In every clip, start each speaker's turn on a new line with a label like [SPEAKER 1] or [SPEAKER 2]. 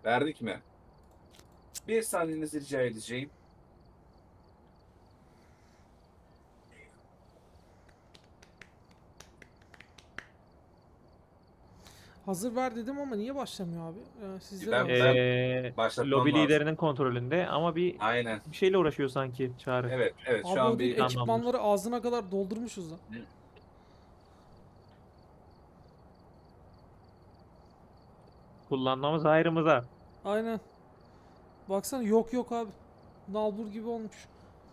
[SPEAKER 1] Verdik mi? Bir saniyenizi rica edeceğim.
[SPEAKER 2] Hazır ver dedim ama niye başlamıyor abi? Sizde de
[SPEAKER 1] Ben
[SPEAKER 2] hazır.
[SPEAKER 1] başlatmam
[SPEAKER 3] Lobi
[SPEAKER 1] lazım.
[SPEAKER 3] liderinin kontrolünde ama
[SPEAKER 1] Aynen.
[SPEAKER 3] bir şeyle uğraşıyor sanki Çağrı.
[SPEAKER 1] Evet, evet. Şu
[SPEAKER 2] Abi o
[SPEAKER 1] an
[SPEAKER 2] değil,
[SPEAKER 1] bir
[SPEAKER 3] Tamamdır.
[SPEAKER 2] ekipmanları ağzına kadar doldurmuşuz lan.
[SPEAKER 3] Kullanmamız hayrımıza.
[SPEAKER 2] Aynen. Baksana yok yok abi. Nalbur gibi olmuş.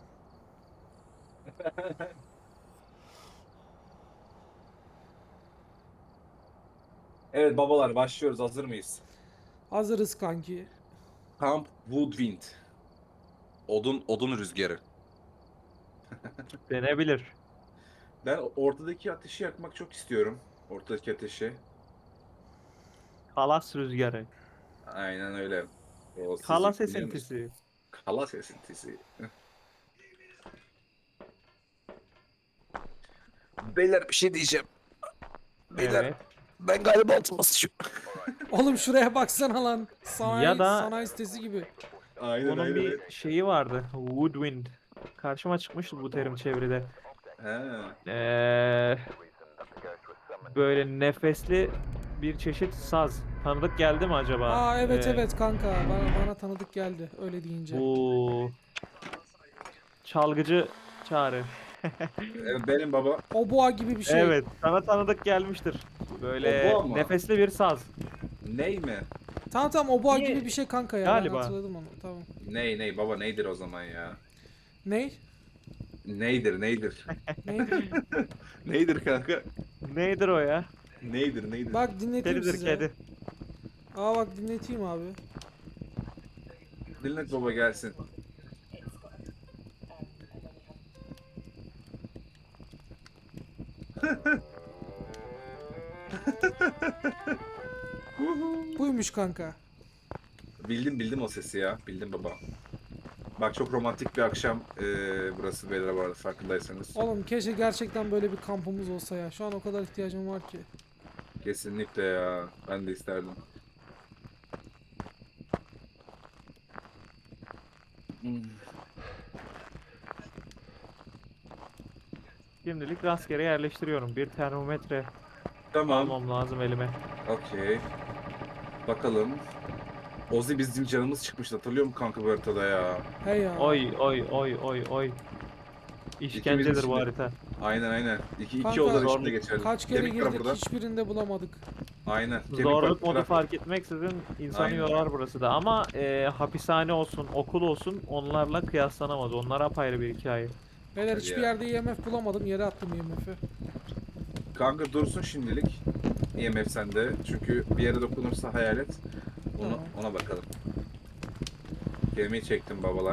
[SPEAKER 1] Evet babalar başlıyoruz. Hazır mıyız?
[SPEAKER 2] Hazırız kanki.
[SPEAKER 1] Camp Woodwind. Odun rüzgarı.
[SPEAKER 3] Denebilir.
[SPEAKER 1] Ben ortadaki ateşi yakmak çok istiyorum. Ortadaki ateşi.
[SPEAKER 3] Kalas rüzgarı.
[SPEAKER 1] Aynen öyle. O sizi
[SPEAKER 3] Kalas
[SPEAKER 1] biliyor musun?
[SPEAKER 3] esintisi.
[SPEAKER 1] Kalas esintisi. Beyler bir şey diyeceğim. Beyler
[SPEAKER 3] Evet.
[SPEAKER 1] ben galiba altıma sıçıyorum.
[SPEAKER 2] Oğlum şuraya baksana lan.
[SPEAKER 3] Ya
[SPEAKER 2] Sanayi,
[SPEAKER 3] da
[SPEAKER 2] sanayi sitesi gibi.
[SPEAKER 1] Aynen
[SPEAKER 3] bunun
[SPEAKER 1] aynen.
[SPEAKER 3] bir şeyi vardı. Woodwind. Karşıma çıkmıştı bu terim çevrede.
[SPEAKER 1] He.
[SPEAKER 3] Ee, böyle nefesli bir çeşit saz. Tanıdık geldi mi acaba?
[SPEAKER 2] Aa evet evet kanka. Bana tanıdık geldi öyle deyince.
[SPEAKER 3] Bu çalgıcı Çağrı.
[SPEAKER 1] Evet, benim baba.
[SPEAKER 2] Oboa gibi bir şey.
[SPEAKER 3] Evet, sana tanıdık gelmiştir.
[SPEAKER 1] O bu
[SPEAKER 3] Böyle
[SPEAKER 1] ama.
[SPEAKER 3] nefesli bir saz.
[SPEAKER 1] Ney mi?
[SPEAKER 2] Tamam tamam oboa gibi
[SPEAKER 3] Niye?
[SPEAKER 2] bir şey kanka ya. Ben
[SPEAKER 3] Galiba.
[SPEAKER 2] hatırladım onu. Tamam.
[SPEAKER 1] Ney baba neydir o zaman ya?
[SPEAKER 2] Ney?
[SPEAKER 1] Neydir?
[SPEAKER 2] Neydi?
[SPEAKER 1] Neydir kanka?
[SPEAKER 3] Nedir o ya?
[SPEAKER 1] Neydir?
[SPEAKER 2] Bak dinleteyim
[SPEAKER 3] Kedidir
[SPEAKER 2] size.
[SPEAKER 3] kedi.
[SPEAKER 2] Aa bak dinleteyim abi.
[SPEAKER 1] Dinlet baba gelsin.
[SPEAKER 2] Buymuş kanka.
[SPEAKER 1] Bildim o sesi ya. Bildim baba. Bak çok romantik bir akşam burası beyler bu arada farkındaysanız.
[SPEAKER 2] Oğlum keşke gerçekten böyle bir kampımız olsa ya. Şu an o kadar ihtiyacım var ki.
[SPEAKER 1] Kesinlikle ya. Ben de isterdim. Hmm.
[SPEAKER 3] Şimdilik rastgele yerleştiriyorum. Bir termometre
[SPEAKER 1] Tamam.
[SPEAKER 3] almam lazım elime.
[SPEAKER 1] Okey. Bakalım. Ozi bizim canımız çıkmıştı. Hatırlıyor musun kanka bu haritada ya?
[SPEAKER 2] He ya.
[SPEAKER 3] Oy oy oy oy oy.
[SPEAKER 1] İkimizin
[SPEAKER 3] İşkencedir bu
[SPEAKER 1] içinde.
[SPEAKER 3] harita.
[SPEAKER 1] Aynen. İki
[SPEAKER 2] Kanka
[SPEAKER 1] odanın içinde
[SPEAKER 3] Zorluk,
[SPEAKER 1] geçerli.
[SPEAKER 2] kaç kere
[SPEAKER 1] Kemik var
[SPEAKER 2] girdik
[SPEAKER 1] burada.
[SPEAKER 2] hiçbirinde bulamadık.
[SPEAKER 1] Aynen. Kemik var.
[SPEAKER 3] zorluk modu
[SPEAKER 1] Trafik.
[SPEAKER 3] fark etmeksizin insanı
[SPEAKER 1] Aynen.
[SPEAKER 3] yorar burası da. Ama hapishane olsun, okul olsun onlarla kıyaslanamaz. Onlar apayrı bir hikaye.
[SPEAKER 2] Beyler
[SPEAKER 1] Hadi
[SPEAKER 2] hiçbir
[SPEAKER 1] ya.
[SPEAKER 2] yerde IMF bulamadım. Yere attım IMF'i.
[SPEAKER 1] Kanka dursun şimdilik. IMF sende. Çünkü bir yere dokunursa hayalet.
[SPEAKER 2] Tamam.
[SPEAKER 1] Ona bakalım. Gemiyi çektim babalar.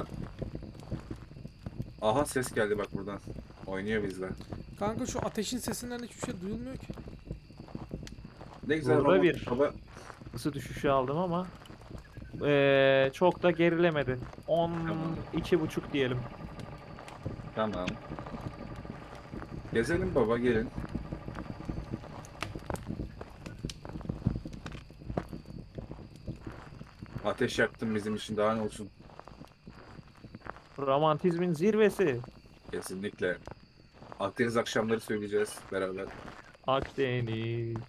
[SPEAKER 1] Aha ses geldi bak buradan. Oynuyor bizle.
[SPEAKER 2] Kanka şu ateşin sesinden hiçbir şey duyulmuyor ki.
[SPEAKER 1] Ne güzel
[SPEAKER 3] Burada
[SPEAKER 1] romantik
[SPEAKER 3] bir
[SPEAKER 1] baba.
[SPEAKER 3] ısı düşüşü aldım ama çok da gerilemedi.
[SPEAKER 1] Tamam.
[SPEAKER 3] 12,5 diyelim.
[SPEAKER 1] Tamam. Gezelim baba gelin. Ateş yaktın bizim için daha ne olsun.
[SPEAKER 3] Romantizmin zirvesi.
[SPEAKER 1] Kesinlikle. Akdeniz akşamları söyleyeceğiz beraber.
[SPEAKER 3] Akdeniz.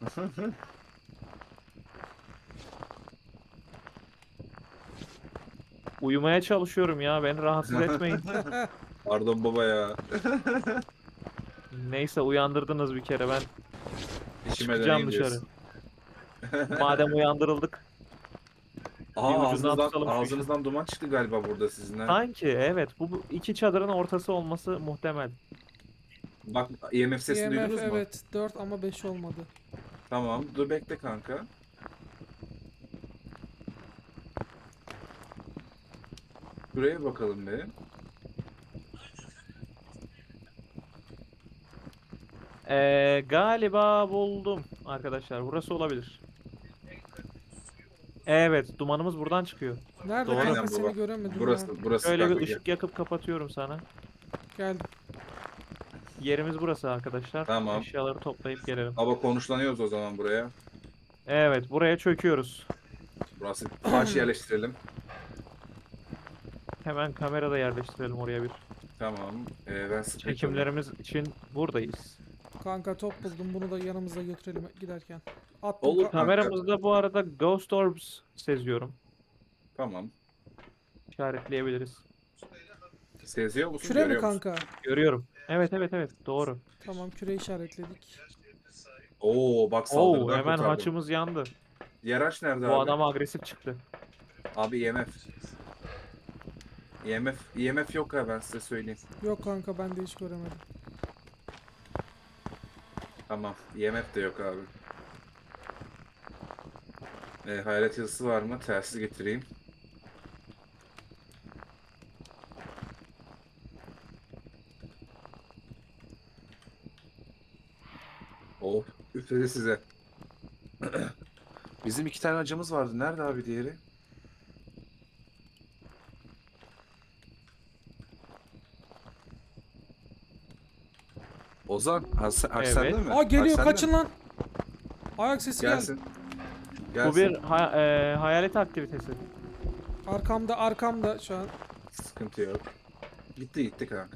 [SPEAKER 3] Uyumaya çalışıyorum ya. Beni rahatsız etmeyin.
[SPEAKER 1] Pardon baba ya.
[SPEAKER 3] Neyse uyandırdınız bir kere. Ben
[SPEAKER 1] İşime
[SPEAKER 3] çıkacağım
[SPEAKER 1] döneyim
[SPEAKER 3] dışarı.
[SPEAKER 1] diyorsun.
[SPEAKER 3] Madem uyandırıldık, bir
[SPEAKER 1] Aa
[SPEAKER 3] ucundan tutalım şu işin.
[SPEAKER 1] ağzınızdan duman çıktı galiba burada sizin ha.
[SPEAKER 3] Sanki evet. Bu iki çadırın ortası olması muhtemel.
[SPEAKER 1] Bak IMF sesini
[SPEAKER 2] IMF
[SPEAKER 1] duydunuz mu?
[SPEAKER 2] evet 4 ama 5 olmadı.
[SPEAKER 1] Tamam dur bekle kanka. Buraya bakalım bir.
[SPEAKER 3] Galiba buldum arkadaşlar. Burası olabilir. Evet, dumanımız buradan çıkıyor.
[SPEAKER 2] Nerede
[SPEAKER 3] Doğru.
[SPEAKER 2] kanka
[SPEAKER 1] Aynen baba.
[SPEAKER 2] seni göremedim ya.
[SPEAKER 1] Burası
[SPEAKER 3] Şöyle
[SPEAKER 1] kanka
[SPEAKER 3] bir
[SPEAKER 1] gel.
[SPEAKER 3] ışık yakıp kapatıyorum sana.
[SPEAKER 2] Geldim.
[SPEAKER 3] Yerimiz burası arkadaşlar.
[SPEAKER 1] Tamam.
[SPEAKER 3] Eşyaları toplayıp gelelim.
[SPEAKER 1] Baba konuşlanıyoruz o zaman buraya.
[SPEAKER 3] Evet, buraya çöküyoruz.
[SPEAKER 1] Burası flash yerleştirelim.
[SPEAKER 3] Hemen kamera da yerleştirelim oraya bir.
[SPEAKER 1] Tamam. Ben sprint alayım.
[SPEAKER 3] Çekimlerimiz için buradayız.
[SPEAKER 2] Kanka top buldum. Bunu da yanımıza götürelim giderken. Attım.
[SPEAKER 1] Olur kanka.
[SPEAKER 3] Kameramızda bu arada Ghost Orbs seziyorum.
[SPEAKER 1] Tamam.
[SPEAKER 3] İşaretleyebiliriz.
[SPEAKER 1] Seziyor musun?
[SPEAKER 2] Küre mi
[SPEAKER 1] Görüyor musun?
[SPEAKER 2] kanka?
[SPEAKER 3] Görüyorum. Evet evet evet doğru.
[SPEAKER 2] Tamam, küre işaretledik.
[SPEAKER 1] Oo bak
[SPEAKER 3] Oo
[SPEAKER 1] saldırıdan
[SPEAKER 3] hemen
[SPEAKER 1] kurtardım.
[SPEAKER 3] haçımız yandı.
[SPEAKER 1] Diğer haç nerede
[SPEAKER 3] Bu
[SPEAKER 1] abi?
[SPEAKER 3] adam agresif çıktı.
[SPEAKER 1] Abi IMF. IMF yok ha, ben size söyleyeyim.
[SPEAKER 2] Yok kanka, ben de hiç göremedim.
[SPEAKER 1] Tamam. IMF de yok abi. Hayalet yazısı var mı? Telsiz getireyim. Oh, üfledi size. Bizim 2 tane acımız vardı. Nerede abi diğeri? Ozan, haç
[SPEAKER 3] Evet.
[SPEAKER 1] sende mi?
[SPEAKER 2] Aa, geliyor,
[SPEAKER 1] Haç sende
[SPEAKER 2] kaçın
[SPEAKER 1] mi?
[SPEAKER 2] lan. Ayak sesi geldi.
[SPEAKER 1] Gelsin.
[SPEAKER 3] Bu
[SPEAKER 1] Gelsin.
[SPEAKER 3] bir hayalet aktivitesi.
[SPEAKER 2] Arkamda şu an.
[SPEAKER 1] Sıkıntı yok. Gitti kanka.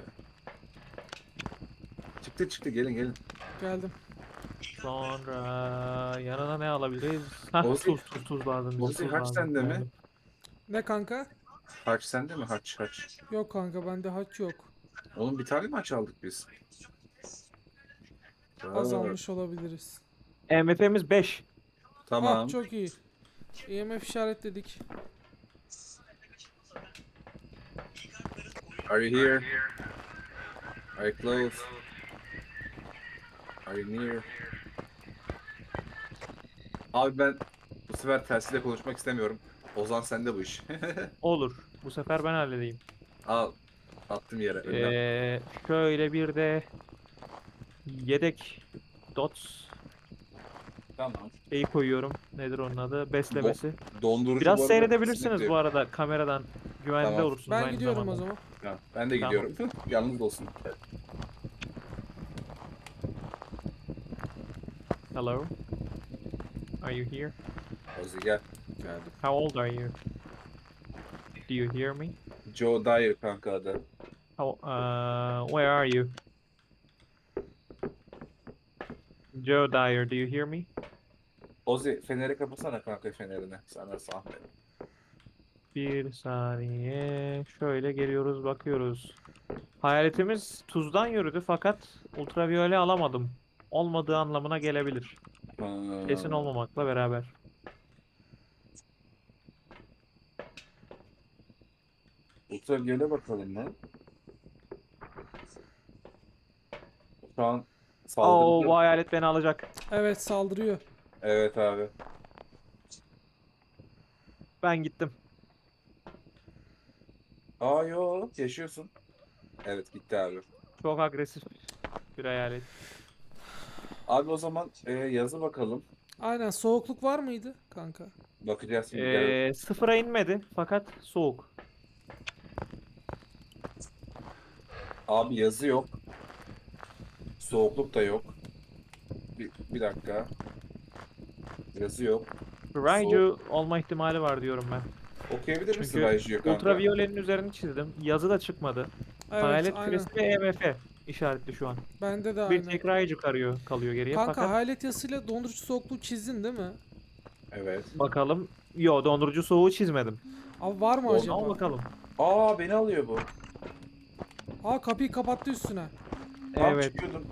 [SPEAKER 1] Çıktı gelin.
[SPEAKER 2] Geldim.
[SPEAKER 3] Sonra yanına ne alabiliriz? Hah
[SPEAKER 1] Ozi-
[SPEAKER 3] tuz lazım. bize,
[SPEAKER 1] Ozi
[SPEAKER 3] tuz
[SPEAKER 1] haç
[SPEAKER 3] lazım.
[SPEAKER 1] sende mi?
[SPEAKER 3] Geldim.
[SPEAKER 2] Ne kanka?
[SPEAKER 1] Haç sende mi? Haç.
[SPEAKER 2] Yok kanka, bende haç yok.
[SPEAKER 1] Oğlum bir tane mi haç aldık biz?
[SPEAKER 2] Az
[SPEAKER 1] Aa,
[SPEAKER 2] almış olabiliriz.
[SPEAKER 3] MF'miz 5.
[SPEAKER 1] tamam.
[SPEAKER 2] Ah, çok iyi. EMF işaretledik.
[SPEAKER 1] Are you here? Are you close? Are you near? Abi ben bu sefer telsizle konuşmak istemiyorum. Ozan sende bu iş.
[SPEAKER 3] Olur. Bu sefer ben halledeyim.
[SPEAKER 1] Al. Attım yere. Önüne.
[SPEAKER 3] Şöyle bir de yedek dots
[SPEAKER 1] Tamam.
[SPEAKER 3] şeyi koyuyorum. Nedir onun adı? Beslemesi.
[SPEAKER 1] Dondurucu bu
[SPEAKER 3] Biraz
[SPEAKER 1] arada
[SPEAKER 3] seyredebilirsiniz
[SPEAKER 1] kesinlikle-
[SPEAKER 3] bu arada kameradan. Güvende
[SPEAKER 1] Tamam.
[SPEAKER 3] olursunuz
[SPEAKER 2] Ben
[SPEAKER 3] aynı
[SPEAKER 2] gidiyorum
[SPEAKER 3] zamanda.
[SPEAKER 2] o zaman.
[SPEAKER 1] Tamam, ben de
[SPEAKER 3] Tamam.
[SPEAKER 1] gidiyorum. Yalnız olsun.
[SPEAKER 3] Hello. Are you here?
[SPEAKER 1] Ozi gel.
[SPEAKER 2] Geldim.
[SPEAKER 3] How old are you? Do you hear me?
[SPEAKER 1] Joe Dyer kanka adı.
[SPEAKER 3] Where are you? Joe Dyer, do you hear me?
[SPEAKER 1] Ozi feneri kapatsana kanka, fenerini. Sana zahmet.
[SPEAKER 3] Bir saniye. Şöyle geliyoruz, bakıyoruz. Hayaletimiz tuzdan yürüdü fakat ultraviyole alamadım. Olmadığı anlamına gelebilir. Kesin olmamakla beraber.
[SPEAKER 1] Ultraviyole bakalım lan. Şu an
[SPEAKER 3] Oo,
[SPEAKER 1] saldırdı.
[SPEAKER 3] bu hayalet beni alacak.
[SPEAKER 2] Evet, saldırıyor.
[SPEAKER 1] Evet abi.
[SPEAKER 3] Ben gittim.
[SPEAKER 1] Aa yo, yaşıyorsun. Evet gitti abi.
[SPEAKER 3] Çok agresif bir hayalet.
[SPEAKER 1] Abi o zaman yazı bakalım.
[SPEAKER 2] Aynen, soğukluk var mıydı kanka?
[SPEAKER 1] Bakacağız şimdi. Gel.
[SPEAKER 3] Sıfıra inmedi fakat soğuk.
[SPEAKER 1] Abi yazı yok. Soğukluk da yok. Bir dakika. Yazı yok.
[SPEAKER 3] Raiju olma ihtimali var diyorum ben.
[SPEAKER 1] Okuyabilir misin
[SPEAKER 3] Çünkü
[SPEAKER 1] Raiju kanka?
[SPEAKER 3] ultraviyolenin üzerini çizdim. Yazı da çıkmadı.
[SPEAKER 2] Evet,
[SPEAKER 3] Hayalet
[SPEAKER 2] aynen.
[SPEAKER 3] küresi ve EMF işaretli şu an.
[SPEAKER 2] Bende de
[SPEAKER 3] Bir
[SPEAKER 2] aynen.
[SPEAKER 3] tek Raiju kalıyor geriye
[SPEAKER 2] Kanka,
[SPEAKER 3] fakat
[SPEAKER 2] hayalet yasıyla dondurucu soğukluğu çizdin değil mi?
[SPEAKER 1] Evet.
[SPEAKER 3] bakalım. Yo dondurucu soğuğu çizmedim.
[SPEAKER 2] Abi var mı
[SPEAKER 1] Oldu
[SPEAKER 2] acaba?
[SPEAKER 3] Ama bakalım.
[SPEAKER 1] Aa beni alıyor bu.
[SPEAKER 2] Aa, kapıyı kapattı üstüne.
[SPEAKER 1] Tam
[SPEAKER 3] Evet.
[SPEAKER 1] çıkıyordum.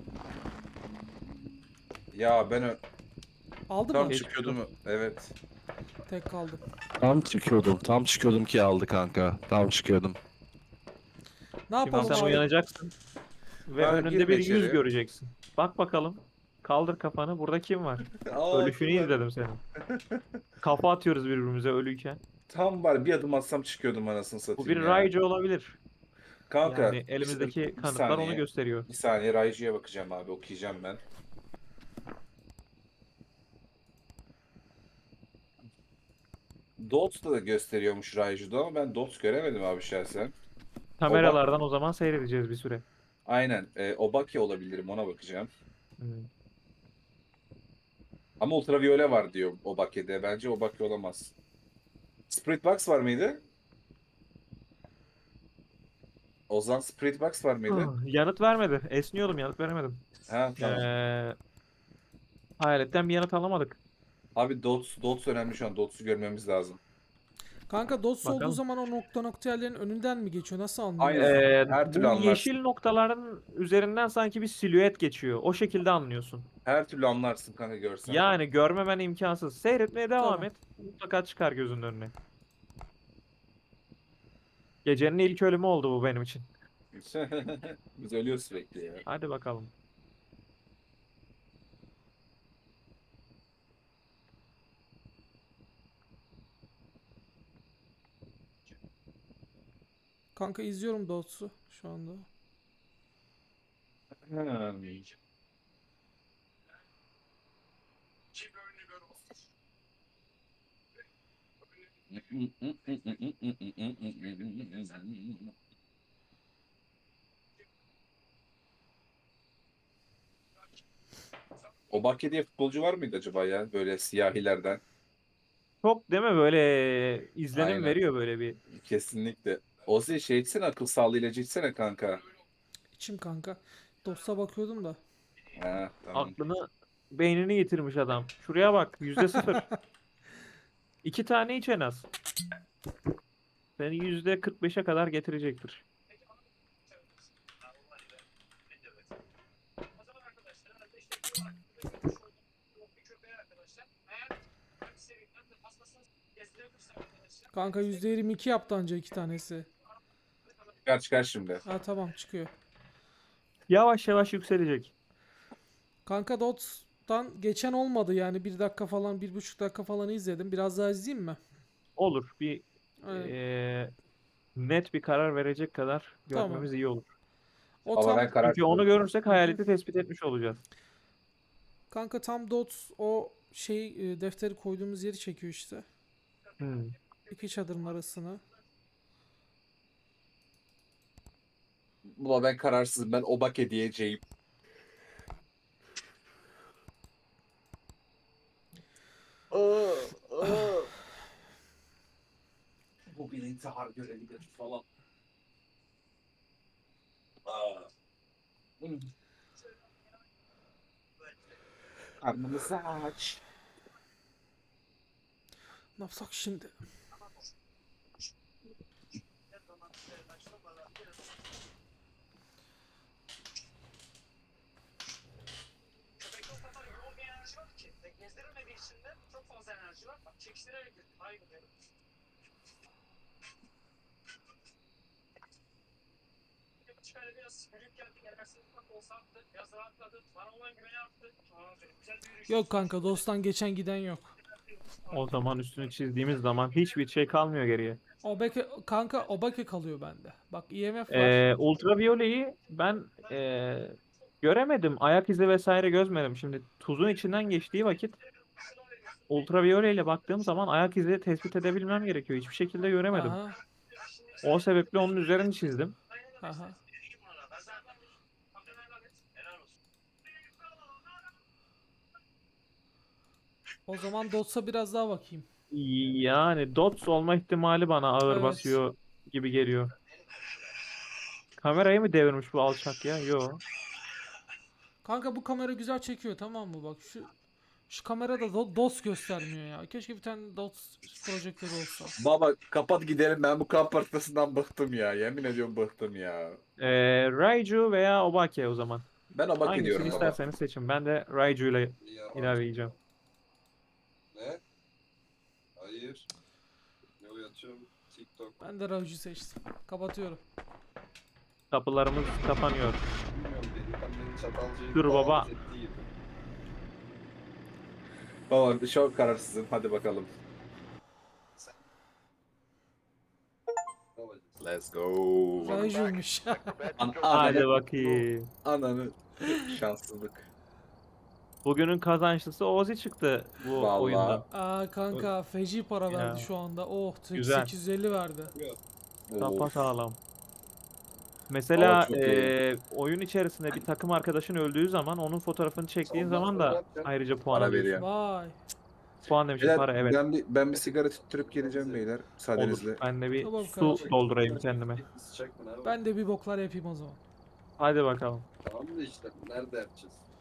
[SPEAKER 1] Ya ben
[SPEAKER 2] Aldı
[SPEAKER 1] tam
[SPEAKER 2] mı?
[SPEAKER 3] Geç
[SPEAKER 1] çıkıyordum. Evet.
[SPEAKER 2] Tek kaldı.
[SPEAKER 4] Tam çıkıyordum ki aldı kanka. Tam çıkıyordum.
[SPEAKER 2] Ne
[SPEAKER 3] Şimdi
[SPEAKER 2] yapalım
[SPEAKER 3] sen
[SPEAKER 2] abi?
[SPEAKER 3] uyanacaksın. Ve
[SPEAKER 1] Ha,
[SPEAKER 3] önünde
[SPEAKER 1] girme
[SPEAKER 3] bir
[SPEAKER 1] içeri.
[SPEAKER 3] yüz göreceksin. Bak bakalım. Kaldır kafanı. Burada kim var?
[SPEAKER 1] Aa,
[SPEAKER 3] Ölüşünü
[SPEAKER 1] kim var?
[SPEAKER 3] izledim senin. Kafa atıyoruz birbirimize ölüyken.
[SPEAKER 1] Tam var, bir adım atsam çıkıyordum anasını
[SPEAKER 3] Bu
[SPEAKER 1] satayım
[SPEAKER 3] bir
[SPEAKER 1] ya.
[SPEAKER 3] Raiju olabilir.
[SPEAKER 1] Kanka
[SPEAKER 3] Yani elimizdeki
[SPEAKER 1] bir
[SPEAKER 3] kanıtlar onu
[SPEAKER 1] saniye.
[SPEAKER 3] gösteriyor.
[SPEAKER 1] Bir saniye Raiju'ya bakacağım abi, okuyacağım ben. Dots da gösteriyormuş Raiju'da ama ben Dots göremedim abi şahsen.
[SPEAKER 3] Kameralardan o zaman seyredeceğiz bir süre.
[SPEAKER 1] Aynen. Obake olabilirim, ona bakacağım.
[SPEAKER 3] Hmm.
[SPEAKER 1] Ama ultraviyole var diyor Obake'de. Bence Obake olamaz. Spirit Box var mıydı? Ozan Spirit Box var mıydı?
[SPEAKER 3] Yanıt vermedi. Esniyordum, yanıt veremedim.
[SPEAKER 1] Ha tamam.
[SPEAKER 3] Hayaletten bir yanıt alamadık.
[SPEAKER 1] Abi Dots önemli şu an. Dots'u görmemiz lazım.
[SPEAKER 2] Kanka dots olduğu
[SPEAKER 3] Bakalım.
[SPEAKER 2] zaman o nokta yerlerin önünden mi geçiyor? Nasıl anlıyoruz?
[SPEAKER 1] Aynen. Her türlü
[SPEAKER 3] Bu
[SPEAKER 1] anlarsın.
[SPEAKER 3] yeşil noktaların üzerinden sanki bir silüet geçiyor. O şekilde anlıyorsun.
[SPEAKER 1] Her türlü anlarsın kanka görsen.
[SPEAKER 3] Yani görmemen imkansız. Seyretmeye devam
[SPEAKER 2] Tamam.
[SPEAKER 3] et. Mutlaka çıkar gözünün önüne. Gecenin ilk ölümü oldu bu benim için.
[SPEAKER 1] Biz ölüyoruz sürekli ya.
[SPEAKER 3] Hadi bakalım.
[SPEAKER 2] Kanka izliyorum dots'u şu anda.
[SPEAKER 1] Hmm. Obake diye futbolcu var mıydı acaba ya? Böyle siyahilerden.
[SPEAKER 3] Çok değil mi böyle izlenim
[SPEAKER 1] Aynen.
[SPEAKER 3] veriyor böyle bir.
[SPEAKER 1] Kesinlikle. Ozi şey içsene, akıl sağlığı ilacı içsene kanka.
[SPEAKER 2] İçim kanka. Dots'a bakıyordum da.
[SPEAKER 1] Ha tamam.
[SPEAKER 3] Aklını beynini yitirmiş adam. Şuraya bak %0. 2 tane iç en az. Seni %45'e kadar getirecektir.
[SPEAKER 2] Kanka %22 yaptı anca 2 tanesi.
[SPEAKER 1] Çıkar şimdi.
[SPEAKER 2] Ha tamam çıkıyor.
[SPEAKER 3] Yavaş yavaş yükselecek.
[SPEAKER 2] Kanka dots'tan geçen olmadı yani 1 dakika falan 1,5 dakika falan izledim. Biraz daha izleyeyim mi?
[SPEAKER 3] Olur. Bir
[SPEAKER 2] Aynen.
[SPEAKER 3] net bir karar verecek kadar
[SPEAKER 2] Tamam.
[SPEAKER 3] görmemiz iyi olur.
[SPEAKER 2] O
[SPEAKER 1] Ama
[SPEAKER 2] tam
[SPEAKER 1] ben karar
[SPEAKER 3] Çünkü onu
[SPEAKER 1] kıldım.
[SPEAKER 3] görürsek hayaleti tespit etmiş olacağız.
[SPEAKER 2] kanka tam dots o defteri koyduğumuz yeri çekiyor işte.
[SPEAKER 3] Hmm.
[SPEAKER 2] İki çadırın arasına.
[SPEAKER 1] Buna ben kararsızım. Ben Obake diyeceğim. Bu bir intihar görevidir falan. Karnımızı aç.
[SPEAKER 2] Ne yapsak şimdi? Yok kanka dosttan geçen giden yok.
[SPEAKER 3] O zaman üstünü çizdiğimiz zaman hiçbir şey kalmıyor geriye.
[SPEAKER 2] Kanka Obake kalıyor bende. Bak IMF var.
[SPEAKER 3] Ultraviyoleyi ben göremedim. Ayak izi vesaire gözmedim. Şimdi tuzun içinden geçtiği vakit ultraviyole ile baktığım zaman ayak izi tespit edebilmem gerekiyor. Hiçbir şekilde göremedim.
[SPEAKER 2] Aha.
[SPEAKER 3] O sebeple onun üzerini çizdim.
[SPEAKER 2] Aha. O zaman Dots'a biraz daha bakayım.
[SPEAKER 3] Yani dots olma ihtimali bana ağır
[SPEAKER 2] Evet.
[SPEAKER 3] basıyor gibi geliyor. Kamerayı mı devirmiş bu alçak ya? Yo.
[SPEAKER 2] Kanka bu kamera güzel çekiyor tamam mı? Bak şu kamerada dots göstermiyor ya. Keşke bir tane dots projektörü olsa.
[SPEAKER 1] Baba kapat gidelim, ben bu kamp partisından bıktım ya. Yemin ediyorum bıktım ya.
[SPEAKER 3] Raiju veya Obake o zaman.
[SPEAKER 1] Ben Obake
[SPEAKER 3] Hangisini
[SPEAKER 1] diyorum baba.
[SPEAKER 3] isterseniz seçin. Ben de Raiju ile ilerleyeceğim.
[SPEAKER 4] Ne? Hayır. Ne uyatıyorum? TikTok.
[SPEAKER 2] Ben de Rauju seçtim. Kapatıyorum.
[SPEAKER 3] Kapılarımız kapanıyor.
[SPEAKER 4] Bilmiyorum, delikanlının Çatalca'yı
[SPEAKER 3] Dur baba.
[SPEAKER 4] davet ettiği gibi.
[SPEAKER 1] Baba çok kararsızım. Hadi bakalım.
[SPEAKER 4] Babacım.
[SPEAKER 1] Let's go.
[SPEAKER 2] Rauju'ymuş.
[SPEAKER 3] Hadi bakayım.
[SPEAKER 1] Ananı şanssızlık.
[SPEAKER 3] Bugünün kazançlısı Ozi çıktı bu
[SPEAKER 1] Vallahi.
[SPEAKER 3] oyundan.
[SPEAKER 2] Aa kanka feci para
[SPEAKER 3] Ya.
[SPEAKER 2] verdi şu anda. Oh
[SPEAKER 3] Güzel.
[SPEAKER 2] 850 verdi.
[SPEAKER 3] Sapa
[SPEAKER 1] Of.
[SPEAKER 3] sağlam. Mesela
[SPEAKER 1] Valla çok iyi.
[SPEAKER 3] oyun içerisinde bir takım arkadaşın öldüğü zaman onun fotoğrafını çektiğin zaman da ayrıca puan
[SPEAKER 1] Para
[SPEAKER 3] alıyorsun.
[SPEAKER 1] veriyor.
[SPEAKER 2] Vay.
[SPEAKER 3] puan demişim
[SPEAKER 1] Beyler,
[SPEAKER 3] para evet.
[SPEAKER 1] ben bir sigara tüttürüp geleceğim beyler.
[SPEAKER 3] Olur.
[SPEAKER 1] Müsaadenizle.
[SPEAKER 3] Ben de bir
[SPEAKER 2] Tamam
[SPEAKER 3] su
[SPEAKER 2] kardeşim.
[SPEAKER 3] doldurayım kendime.
[SPEAKER 2] Ben de bir boklar yapayım o zaman.
[SPEAKER 3] Hadi bakalım.
[SPEAKER 5] Tamam da işte nerede yapacağız?